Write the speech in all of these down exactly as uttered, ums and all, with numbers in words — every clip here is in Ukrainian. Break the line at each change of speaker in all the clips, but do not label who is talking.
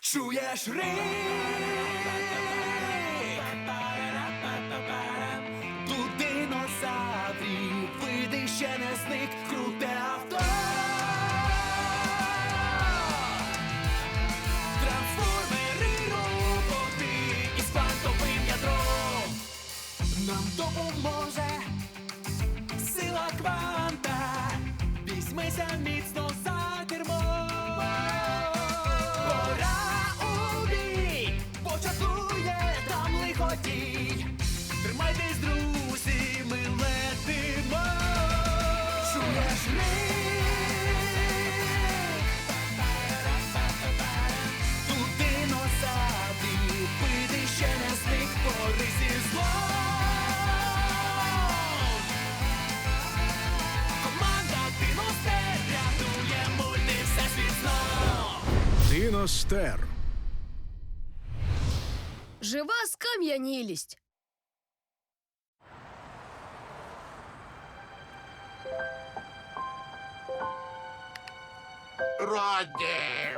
Чуєш рик? Тут динозаврів, види ще не зник, круте авто. Трансформери роботи із квантовим ядром. Нам допоможе сила кванта. Візьмися міцно за кермо. Тримайтесь, друзі, ми летимо. Чуєш рик? Тут динозаврів, види ще не зник, бори зі злом. Команда Диностер рятує мульти всесвіт знов.
Диностер.
Жива скам'янілість.
Роді!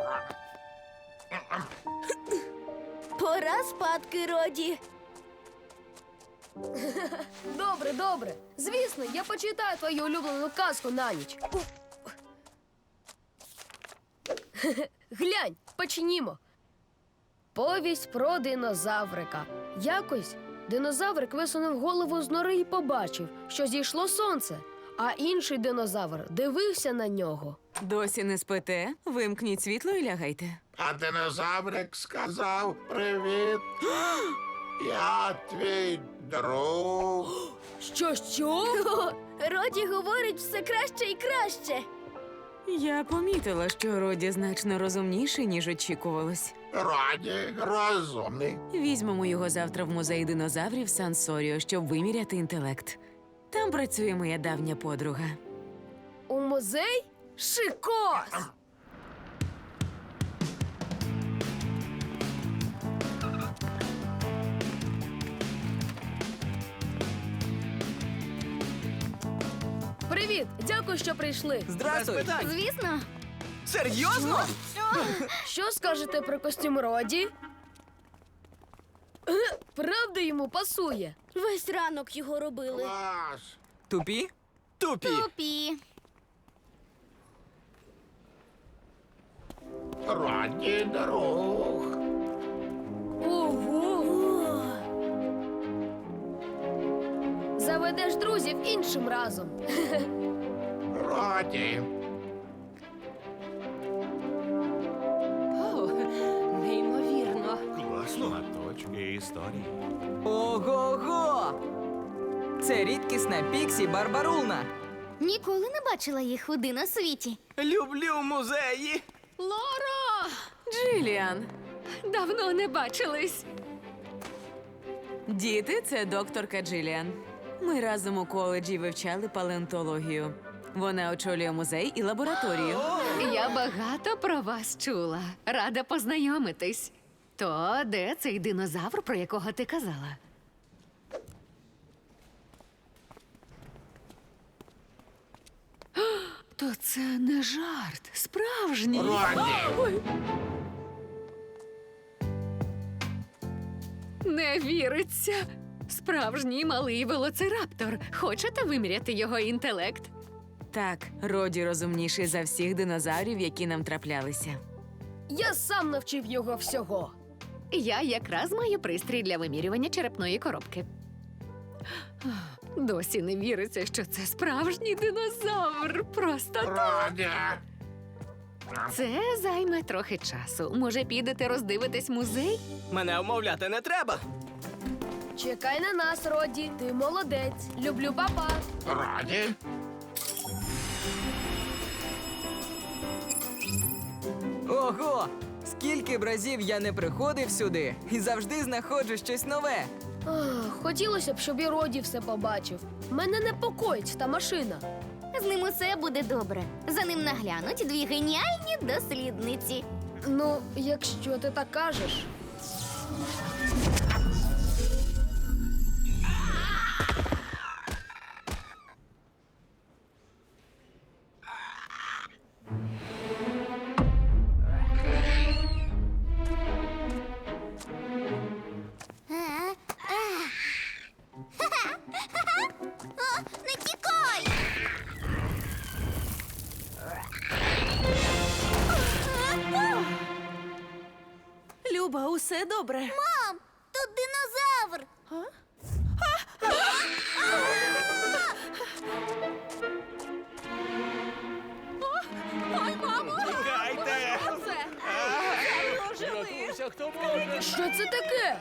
Пора спадки, Роді.
Добре, добре. Звісно, я почитаю твою улюблену казку на ніч. Глянь, почнімо. Повість про динозаврика. Якось динозаврик висунув голову з нори і побачив, що зійшло сонце, а інший динозавр дивився на нього.
Досі не спите? Вимкніть світло і лягайте.
А динозаврик сказав привіт. Я твій друг.
Що, що?
О, Роді говорить все краще і краще.
Я помітила, що Роді значно розумніший, ніж очікувалось.
Роді розумний.
Візьмемо його завтра в музей динозаврів Сансоріо, щоб виміряти інтелект. Там працює моя давня подруга.
У музей? Шикос! Привіт! Дякую, що прийшли.
Здрастуй!
Звісно.
Серйозно?
Що скажете про костюм Роді? Е, Правда йому пасує?
Весь ранок його робили.
Клас.
Тупі? Тупі!
Тупі.
Роді друг.
Ого! Заведеш друзів іншим разом.
Роді.
О, неймовірно.
Класно. Точки історії.
Ого-го! Це рідкісна Піксі Барбарулна.
Ніколи не бачила їх у диносвіті.
Люблю музеї.
Лоро!
Джиліан!
Давно не бачились.
Діти, це докторка Джиліан. Ми разом у коледжі вивчали палеонтологію. Вона очолює музей і лабораторію.
Я багато про вас чула. Рада познайомитись. То де цей динозавр, про якого ти казала? О, то це не жарт, справжній.
Роді.
Не віриться. Справжній малий велоцираптор. Хочете виміряти його інтелект?
Так, Роді розумніший за всіх динозаврів, які нам траплялися.
Я сам навчив його всього.
Я якраз маю пристрій для вимірювання черепної коробки. Досі не віриться, що це справжній динозавр. Просто
Роді.
це займе трохи часу. Може, підете роздивитись музей?
Мене вмовляти не треба.
Чекай на нас, Роді. Ти молодець. Люблю, папа.
Роді.
Ого! Скільки б разів я не приходив сюди і завжди знаходжу щось нове.
Ах, хотілося б, щоб і Роді все побачив. Мене непокоїть та машина.
З ним усе буде добре. За ним наглянуть дві геніальні дослідниці.
Ну, якщо ти так кажеш.
Люба, усе добре.
Мам, тут динозавр.
Тікайте!
Що це таке?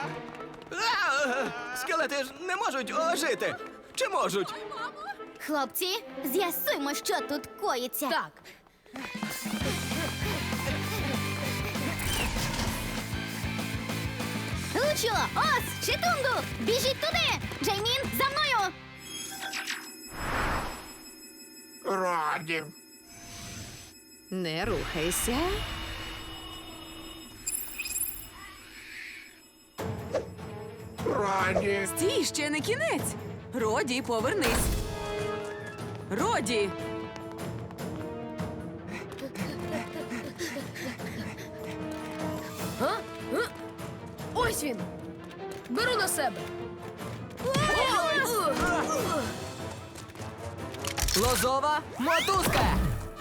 Скелети ж не можуть ожити. Чи можуть?
Хлопці, з'ясуймо, що тут коїться.
Так,
Лучо, Ос, Читунгу, біжіть туди! Джеймін, за мною!
Раді.
Не рухайся.
Раді.
Стій, ще не кінець. Роді, повернись. Роді!
а? А? Ось він. Беру на себе.
Лозова мотузка!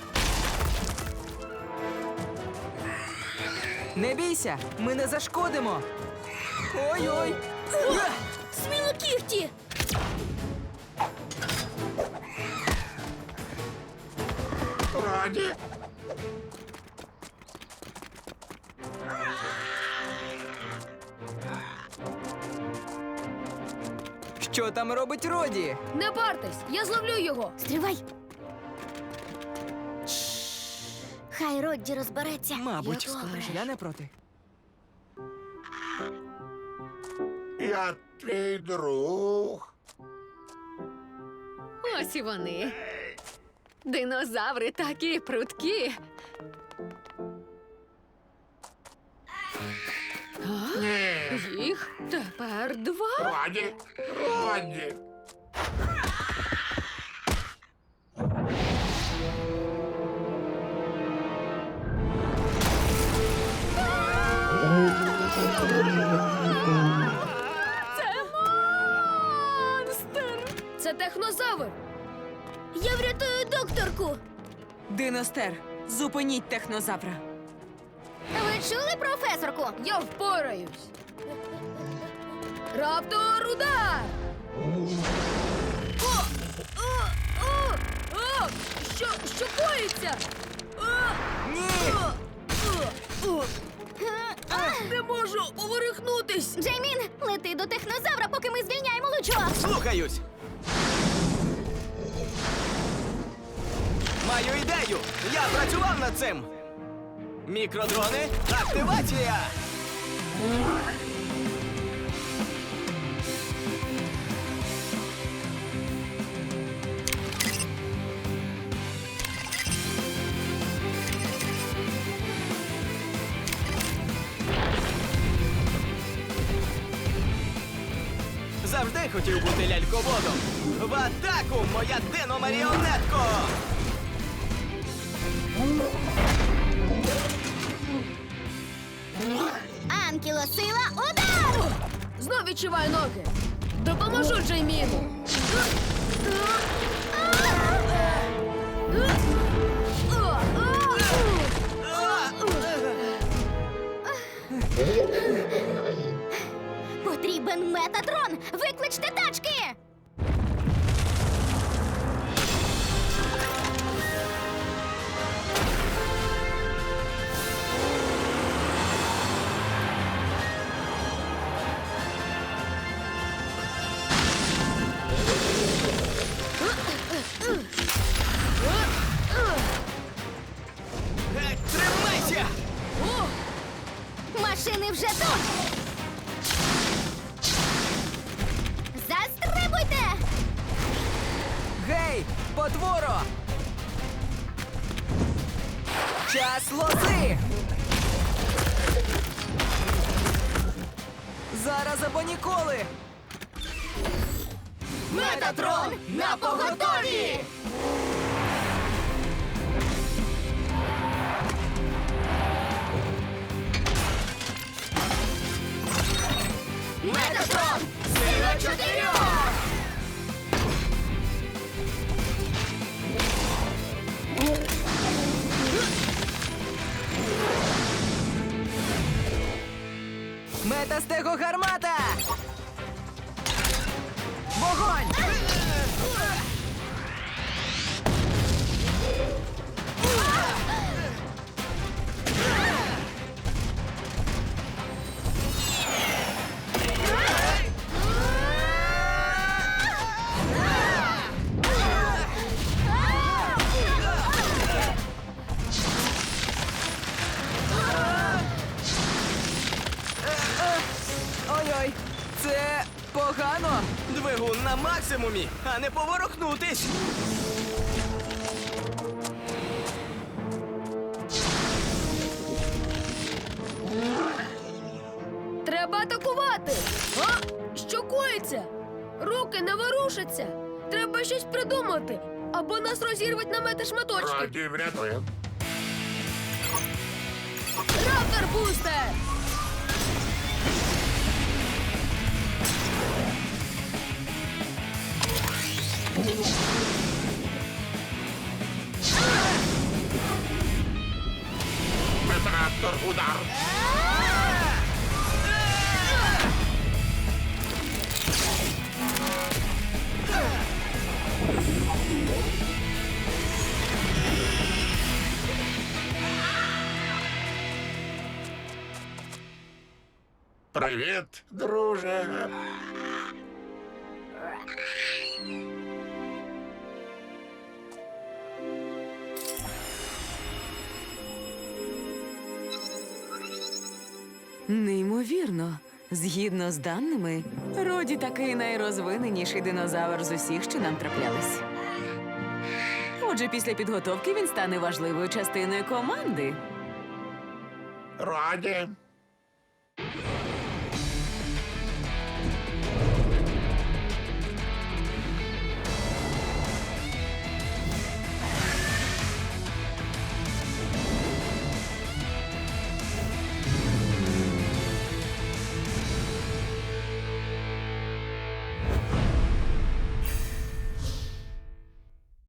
Не бійся, ми не зашкодимо. Ой-ой!
Сміло кіхті!
Раді.
Що там робить Роді?
Не партесь, я зловлю його.
Стривай! Хай Родді розбереться.
Мабуть,
Добре.
я не проти.
Я твій друг.
Ось і вони. Динозаври такі прудкі.
Ні.
Їх тепер два.
Раді. Раді.
Це технозавр.
Я врятую докторку!
Диностер, зупиніть технозавра.
Ви чули, професорку?
Я впораюсь. Раптор удар! О! О! О! О! Що, що коїться? О!
Ні!
О! О! О! Не можу поворухнутись!
Джеймін, лети до технозавра, поки ми звільняємо Лучо!
Слухаюсь! Маю ідею! Я працював над цим! Мікродрони, активація! Завжди хотів бути ляльководом. В атаку, моя дино-маріонетко!
Анкілосила, удар!
Знов відчуваю ноги. Допоможу Джейміну.
Потрібен метатрон! Викличте тачки!
Геть, тримайся!
Машини вже тут! Застрибуйте!
Гей, потворо! Час лози! Зараз або ніколи!
Метатрон на поготові! Метатрон! Сила чотирьох!
Метастегогармата! Вогонь! Ой-ой, це погано.
Двигун на максимумі, а не поворухнутись.
Треба атакувати! А? Що коїться? Руки не ворушаться! Треба щось придумати! Або нас розірвуть на мети шматочки!
Роді, врятує.
Раптор бустер!
Метраптор, удар. Привіт, друже.
Неймовірно. Згідно з даними, Роді такий найрозвиненіший динозавр з усіх, що нам траплялись. Отже, після підготовки він стане важливою частиною команди.
Роді.